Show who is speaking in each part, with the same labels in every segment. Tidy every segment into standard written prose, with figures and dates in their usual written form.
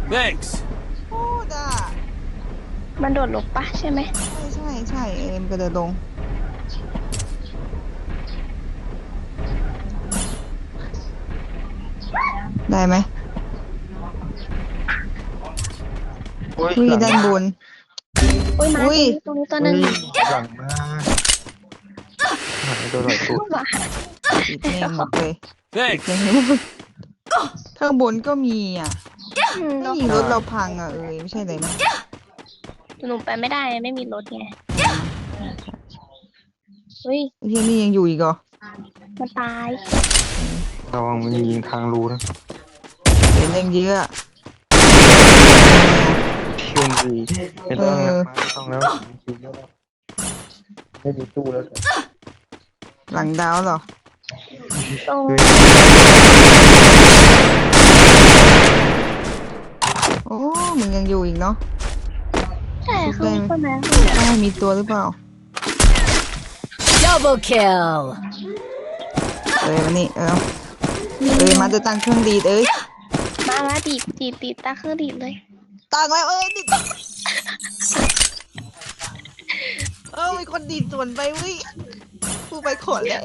Speaker 1: Thanks.
Speaker 2: โคตรอ่ะ
Speaker 3: มันโดดลงปะใช่ไหม
Speaker 2: ใช่มันก็เดินลงได้ไหม
Speaker 4: อุ้ย
Speaker 2: อุ้ย
Speaker 4: หลัง
Speaker 2: ด้านบน
Speaker 3: อุ้ยมา
Speaker 2: อุ้ย
Speaker 3: ตรงนี้ตัวหนึง
Speaker 4: หลังมาหายตัวหลังตัว
Speaker 3: มา
Speaker 2: ติดเนมหมดเลย
Speaker 1: Thanks.
Speaker 2: ยังไม่หมดข้างบนก็มีอ่ะ ไม่ยิงรถเราพังอ่ะไม่ใช่เลยนะ
Speaker 3: หนูไปไม่ได้ไม่มีรถไงเฮ้ย
Speaker 2: ไอ้ที่นี่ยังอยู่อีกเหรอ
Speaker 3: มันตาย
Speaker 4: ระวังมันยิงทางรูนะ
Speaker 2: เห็นยังเยอะอะ
Speaker 4: เชื่อมดีไม่ต้องแล้วไม่ต้องแล้วจริงๆแล้วไม่มีตู้แล้ว
Speaker 2: หลังดาวเหรอ
Speaker 3: ตรง
Speaker 2: โอ้มึงยังอยู่อีกเนาะ
Speaker 3: ใช่ข้างบนนั้น
Speaker 2: ได้มีตัวหรือเปล่า
Speaker 5: Double kill.
Speaker 2: มานี่มาจะตั้งเครื่องดีด
Speaker 3: มาดีดตาเครื่องดีดเลย
Speaker 2: ตั้งแล้วดิดมีคนดีดส่วนไปวิกูไปขนแล้ว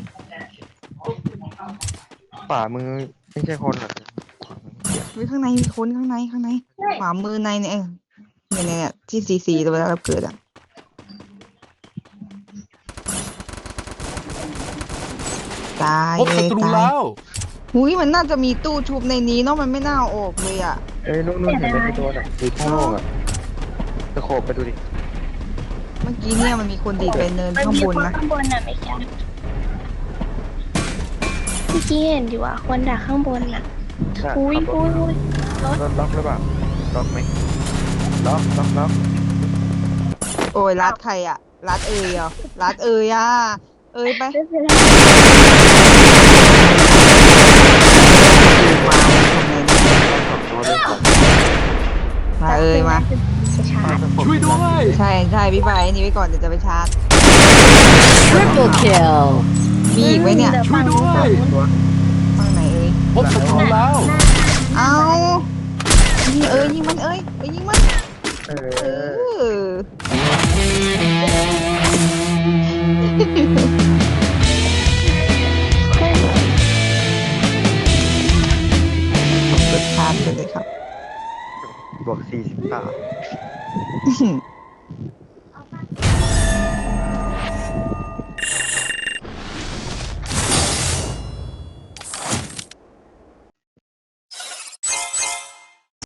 Speaker 4: ฝ่ามือไม่ใช่คนหรอก
Speaker 2: ข้างในมีคนข้างในขวามือในเนี่ยเนี่ยที่ซีตัวแล้วเราเกิดอ่ะตาย
Speaker 1: พบศัตรูแล้ว
Speaker 2: หุยมันน่าจะมีตู้ชุบในนี้เนาะมันไม่น่าเอาออกเลยอ่ะ
Speaker 4: นู่นเห็นไหมในตัวน่ะดูท่อโล่งอ่ะตะโขบไปดูดิ
Speaker 2: เมื่อกี้เนี่ยมันมีคนดีดไปเนิน
Speaker 3: มัน
Speaker 2: ข้าง
Speaker 3: มี
Speaker 2: บ
Speaker 3: คน น
Speaker 2: นะ
Speaker 3: ข้างบนน่ะไม่ใช่เมื่อกี้เห็นอยู่อ่ะคนดักข้างบนน่ะอุ้ยรถ
Speaker 4: รถล็อกหรือเปล่าล็อกไหมล็อก
Speaker 2: โอ้ยรัดใครอ่ะรัดเหรอรัดอ่ะไป
Speaker 3: ไม่เป็นไร
Speaker 2: มามา
Speaker 3: จะชาร์จ
Speaker 1: ช่วยด้วย
Speaker 2: ใช่พี่ไปนี่ไว้ก่อนเดี๋ยวจะไปชาร์จ
Speaker 5: Triple kill.
Speaker 2: มีอีกไหมเนี่ย
Speaker 1: ช่วยด้วย
Speaker 2: ฝั่งไหน
Speaker 1: พบศัตรูแล้ว
Speaker 2: เอายิงยิงมันยิงมัน
Speaker 4: เอ
Speaker 2: เอ
Speaker 4: อ
Speaker 2: เปิดชาร์จเลยครับ
Speaker 4: บวก40 บาท